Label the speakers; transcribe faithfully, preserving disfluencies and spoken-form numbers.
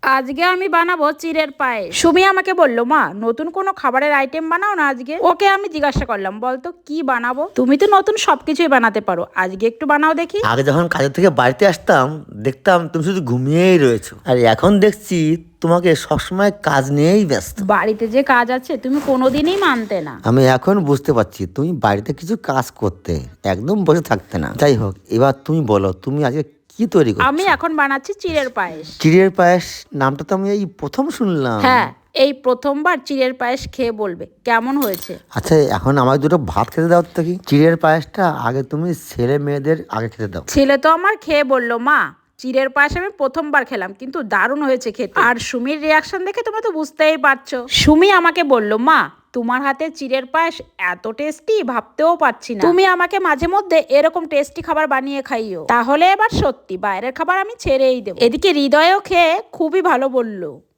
Speaker 1: আজকে আমি বানাবো চিড়ের পায়েস। সুমি আমাকে বললো, মা নতুন কোনো খাবারের আইটেম বানাও না আজকে। ওকে আমি জিজ্ঞাসা করলাম, বলতো কি বানাবো? তুমি তো নতুন সবকিছুই বানাতে পারো, আজকে একটু বানাও দেখি।
Speaker 2: আগে যখন কাজের থেকে বাড়িতে আসতাম দেখতাম তুমি শুধু ঘুমিয়েই রয়েছো, আর এখন দেখছি তোমাকে সবসময় কাজ নিয়েই ব্যস্ত।
Speaker 1: বাড়িতে যে কাজ আছে তুমি কোনোদিনই মানতে না।
Speaker 2: আমি এখন বুঝতে পারছি তুমি বাড়িতে কিছু কাজ করতে, একদম বসে থাকতে না। যাই হোক, এবার তুমি বলো তুমি আজকে কি তৈরি করছো?
Speaker 1: আমি এখন বানাচ্ছি চিড়ের পায়েস।
Speaker 2: চিড়ের পায়েস নামটা তো আমি এই প্রথম শুনলাম।
Speaker 1: হ্যাঁ, এই প্রথমবার চিড়ের পায়েস খেয়ে বলবে কেমন হয়েছে।
Speaker 2: আচ্ছা, এখন আমাকে দুটো ভাত খেতে দাও তো কি। চিড়ের পায়েসটা আগে তুমি ছেলে মেয়েদের আগে খেতে দাও।
Speaker 1: ছেলে তো আমার খেয়ে বললো, মা চিড়ের পায়েস আমি প্রথমবার খেলাম কিন্তু দারুণ হয়েছে খেতে। আর সুমির রিয়াকশন দেখে তোমরা তো বুঝতেই পারছো। সুমি আমাকে বললো, মা তোমার হাতে চিড়ের পায়েস এত টেস্টি ভাবতেও পারছি না। তুমি আমাকে মাঝে মধ্যে এরকম টেস্টি খাবার বানিয়ে খাইও, তাহলে এবার সত্যি বাইরের খাবার আমি ছেড়েই দেবো। এদিকে হৃদয়ও খেয়ে খুবই ভালো বললো।